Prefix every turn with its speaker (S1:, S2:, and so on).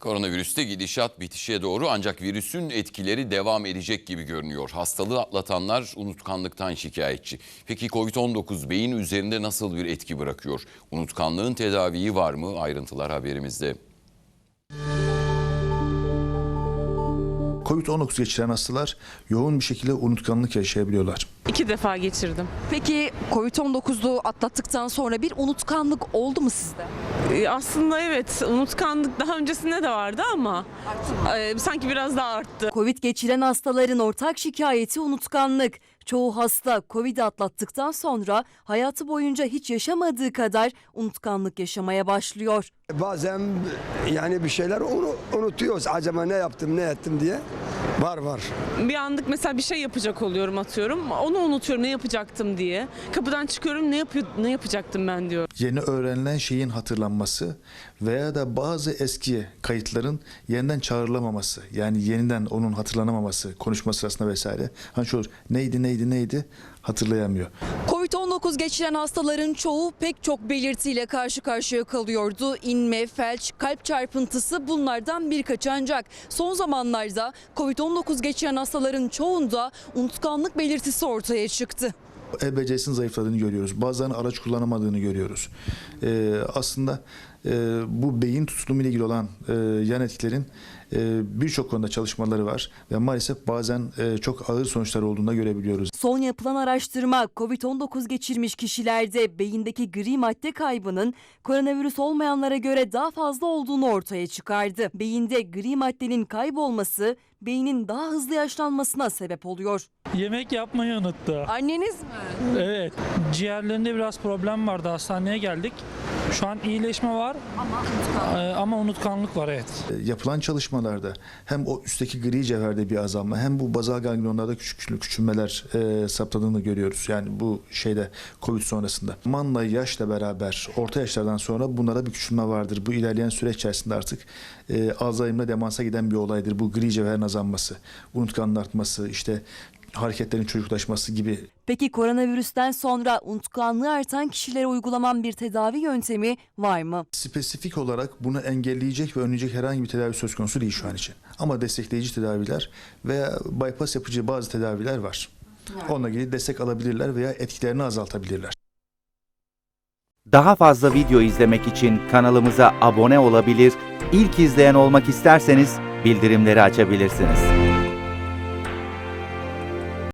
S1: Koronavirüste gidişat bitişe doğru ancak virüsün etkileri devam edecek gibi görünüyor. Hastalığı atlatanlar unutkanlıktan şikayetçi. Peki Covid-19 beyin üzerinde nasıl bir etki bırakıyor? Unutkanlığın tedaviyi var mı? Ayrıntılar haberimizde.
S2: Covid-19 geçiren hastalar yoğun bir şekilde unutkanlık yaşayabiliyorlar.
S3: 2 defa geçirdim.
S4: Peki Covid-19'u atlattıktan sonra bir unutkanlık oldu mu sizde?
S3: Aslında evet, unutkanlık daha öncesinde de vardı ama sanki biraz daha arttı.
S4: Covid geçiren hastaların ortak şikayeti unutkanlık. Çoğu hasta Covid'i atlattıktan sonra hayatı boyunca hiç yaşamadığı kadar unutkanlık yaşamaya başlıyor.
S5: Bazen yani bir şeyler unutuyoruz. Acaba ne yaptım, ne ettim diye. Var.
S3: Bir anlık mesela bir şey yapacak oluyorum, atıyorum. Onu unutuyorum, ne yapacaktım diye. Kapıdan çıkıyorum, ne yapacaktım ben diyor.
S2: Yeni öğrenilen şeyin hatırlanması veya da bazı eski kayıtların yeniden çağrılamaması, yani yeniden onun hatırlanamaması, konuşma sırasında vesaire. Hani şu olur, neydi hatırlayamıyor.
S4: Covid-19 geçiren hastaların çoğu pek çok belirtiyle karşı karşıya kalıyordu. İnme, felç, kalp çarpıntısı bunlardan birkaçı, ancak son zamanlarda Covid-19 geçiren hastaların çoğunda unutkanlık belirtisi ortaya çıktı.
S2: El becerisinin zayıfladığını görüyoruz. Bazılarının araç kullanamadığını görüyoruz. Aslında bu beyin tutulumu ile ilgili olan yan etkilerin birçok konuda çalışmaları var ve maalesef bazen çok ağır sonuçlar olduğunu da görebiliyoruz.
S4: Son yapılan araştırma Covid-19 geçirmiş kişilerde beyindeki gri madde kaybının koronavirüs olmayanlara göre daha fazla olduğunu ortaya çıkardı. Beyinde gri maddenin kaybolması beynin daha hızlı yaşlanmasına sebep oluyor.
S6: Yemek yapmayı unuttu.
S4: Anneniz mi?
S6: Evet. Ciğerlerinde biraz problem vardı. Hastaneye geldik. Şu an iyileşme var ama unutkanlık var, evet.
S2: Yapılan çalışmalarda hem o üstteki gri cevherde bir azalma hem bu bazal ganglionlarda küçülmeler saptadığını görüyoruz. Yani bu şeyde Covid sonrasında. Zamanla yaşla beraber orta yaşlardan sonra bunlara bir küçülme vardır. Bu ilerleyen süreç içerisinde artık Alzheimer'la demansa giden bir olaydır. Bu gri cevherin azalması, unutkanlığın artması, işte hareketlerin çocuklaşması gibi.
S4: Peki koronavirüsten sonra unutkanlığı artan kişilere uygulanan bir tedavi yöntemi var mı?
S2: Spesifik olarak bunu engelleyecek ve önleyecek herhangi bir tedavi söz konusu değil şu an için. Ama destekleyici tedaviler veya bypass yapıcı bazı tedaviler var. Onunla ilgili destek alabilirler veya etkilerini azaltabilirler.
S7: Daha fazla video izlemek için kanalımıza abone olabilir, ilk izleyen olmak isterseniz bildirimleri açabilirsiniz.